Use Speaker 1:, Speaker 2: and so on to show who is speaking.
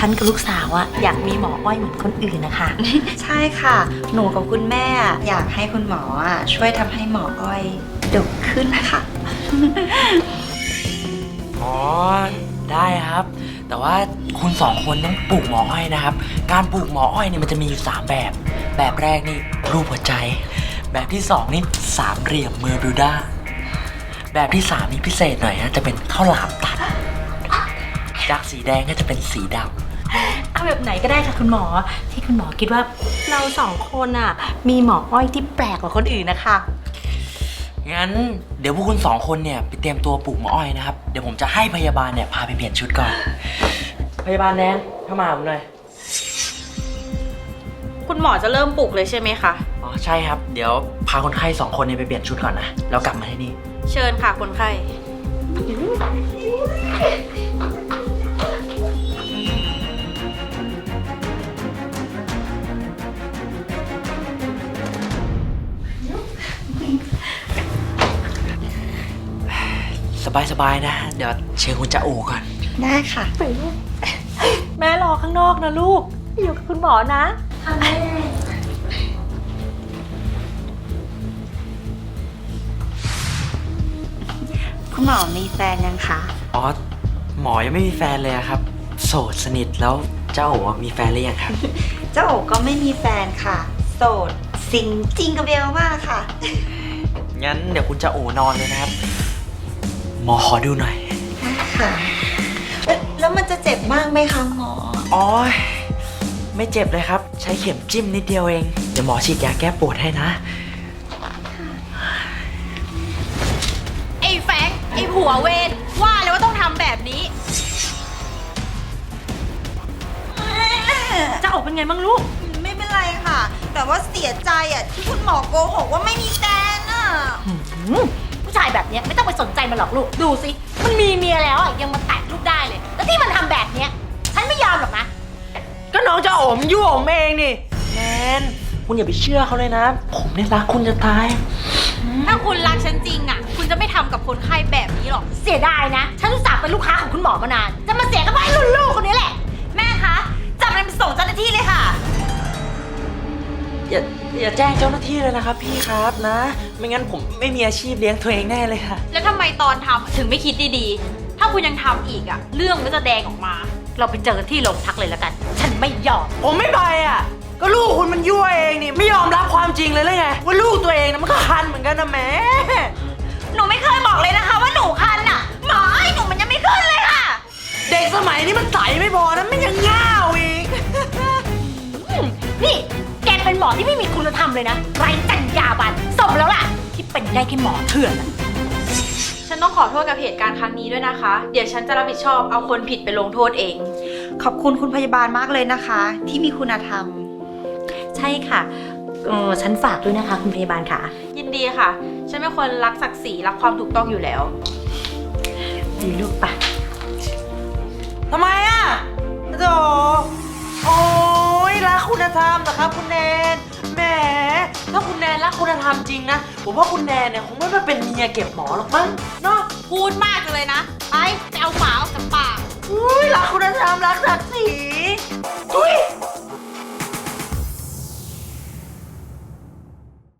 Speaker 1: ฉันกับลูกสาวอะอยากมีหมออ้อยเหมือนคนอื่นนะคะ
Speaker 2: ใช่ค่ะ หนูกับคุณแม่อยากให้คุณหมอช่วยทำให้หมออ้อยดกขึ้นนะคะ
Speaker 3: อ๋อได้ครับ แต่ว่าคุณสองคนต้องปลูกหมออ้อยนะครับ การปลูกหมออ้อยเนี่ยมันจะมีอยู่3แบบ แบบแรกนี่รูปหัวใจ แบบที่2นี่สามเหลี่ยมเมอร์บิวดาแบบที่3นี่พิเศษหน่อยนะจะเป็นข้าวหลามตัดจากสีแดงก็จะเป็นสีดำ
Speaker 1: เอาแบบไหนก็ได้ค่ะคุณหมอที่คุณหมอคิดว่าเรา2 คนอะมีหมออ้อยที่แปลกกว่าคนอื่นนะคะ
Speaker 3: งั้นเดี๋ยวพวกคุณ2 คนเนี่ยไปเตรียมตัวปลูกหมออ้อยนะครับ เดี๋ยวผมจะให้พยาบาลเนี่ยพาไปเปลี่ยนชุดก่อน พยาบาลแนนเข้ามาผมหน่อย
Speaker 4: คุณหมอจะเริ่มปลุกเลยใช่ไหมคะ
Speaker 3: อ๋อใช่ครับ เดี๋ยวพาคนไข้2 คนเนี่ยไปเปลี่ยนชุดก่อนนะแล้วกลับมาที่นี่
Speaker 4: เชิญค่ะคนไข้
Speaker 3: สบายๆนะ เดี๋ยวเชิญคุณจะอูก่อน
Speaker 2: ได้ค่ะ
Speaker 1: แม่รอข้างนอกนะลูกอยู่กับคุณหมอนะแม่
Speaker 2: คุณหมอมีแฟนยังคะ
Speaker 3: อ๋อหมอยังไม่มีแฟนเลยอะครับ โสดสนิทแล้วเจ้าโอ๋มีแฟนหรือยังครับ
Speaker 2: เจ้าโอก็ไม่มีแฟนค่ะ โสดสิงจริงกับเบลมากค่ะ
Speaker 3: งั้นเดี๋ยวคุณจะโอ๋นอนเลยนะครับ หมอขอดูหน่อย
Speaker 2: ค่ะแล้วมันจะเจ็บมากไหมคะหมอ
Speaker 3: อ๋อไม่เจ็บเลยครับ ใช้เข็มจิ้มนิดเดียวเอง เดี๋ยวหมอฉีดยาแก้ปวดให้นะ
Speaker 4: ไอ้แฟงไอ้ผัวเวรว่าเลยว่าต้องทำแบบนี้
Speaker 1: จะออกเป็นไงบ้างลูก
Speaker 2: ไม่เป็นไรค่ะ แต่ว่าเสียใจที่คุณหมอโกหกว่าไม่มีแฟน
Speaker 1: ผู้ชายแบบเนี้ยไม่ต้องไปสนใจมันหรอกลูกดูสิมันมีเมียแล้วอะยังมาแตะลูกได้เลย แล้วที่มันทำแบบเนี้ยฉันไม่ยอมหรอกนะ
Speaker 3: ก็น้องจะโอ๋มยั่วผมเองนี่แนนคุณอย่าไปเชื่อเขาเลยนะ ผมเนี่ยรักคุณจะตาย
Speaker 4: ถ้าคุณรักฉันจริงอ่ะ คุณจะไม่ทำกับคนไข้แบบนี้หรอก
Speaker 1: เสียดายนะฉันอุตส่าห์เป็นลูกค้าของคุณหมอมานาน จะมาเสียกับไอ้รุ่นลูกคนนี้แหละ
Speaker 4: แม่คะ จับมันไปส่งเจ้าหน้าที่เลยค่ะ
Speaker 3: อย่าแจ้งเจ้าหน้าที่เลยนะครับพี่ครับนะ ไม่งั้นผมไม่มีอาชีพเลี้ยงตัวเองแน่เลยค่ะ
Speaker 4: แล้วทำไมตอนทำถึงไม่คิดดีๆ ถ้าคุณยังทำอีกอ่ะ เรื่องก็จะแดงออกมา
Speaker 1: เราไปเจอกันที่โรงพักเลยแล้วกัน ฉันไม่ยอม
Speaker 3: ผมไม่ไปอ่ะ ก็ลูกคุณมันยั่วเองนี่ไม่ยอมรับความจริงเลยไงว่าลูกตัวเองนะมันก็คันเหมือนกันนะแม่
Speaker 4: หนูไม่เคยบอกเลยนะคะว่าหนูคันอ่ะ หมอไอ้หนูมันยังไม่ขึ้นเลยค่ะ
Speaker 3: เด็กสมัยนี้มันใสไม่พอนะมันยังง่าวอีก
Speaker 1: นี่แกเป็นหมอที่ไม่มีคุณธรรมเลยนะไร้จรรยาบรรณสมแล้วล่ะ ที่เป็นได้แค่หมอเถื่อนอะ
Speaker 4: ฉันต้องขอโทษกับเหตุการณ์ครั้งนี้ด้วยนะคะ เดี๋ยวฉันจะรับผิดชอบเอาคนผิดไปลงโทษเอง
Speaker 2: ขอบคุณคุณพยาบาลมากเลยนะคะ ที่มีคุณธรรม
Speaker 1: ใช่ค่ะฉันฝากด้วยนะคะคุณพยาบาลค่ะ
Speaker 4: ยินดีค่ะ ฉันเป็นคนรักศักดิ์ศรีรักความถูกต้องอยู่แล้ว
Speaker 1: ดีลูกปะ
Speaker 3: ทำไมอ่ะโธ่โอ้ยรักคุณธรรมนะครับคุณแนนแหมถ้าคุณแนนรักคุณธรรมจริงนะผมว่าคุณแนนเนี่ยคงไม่มาเป็นเมียเก็บหมอหรอกมั้งเนาะ
Speaker 4: พูดมากจังเลยนะ ไปเอาหมาออกจากปาก
Speaker 3: อุ้ยรักคุณธรรมรักศักดิ์ศรีอุ้ย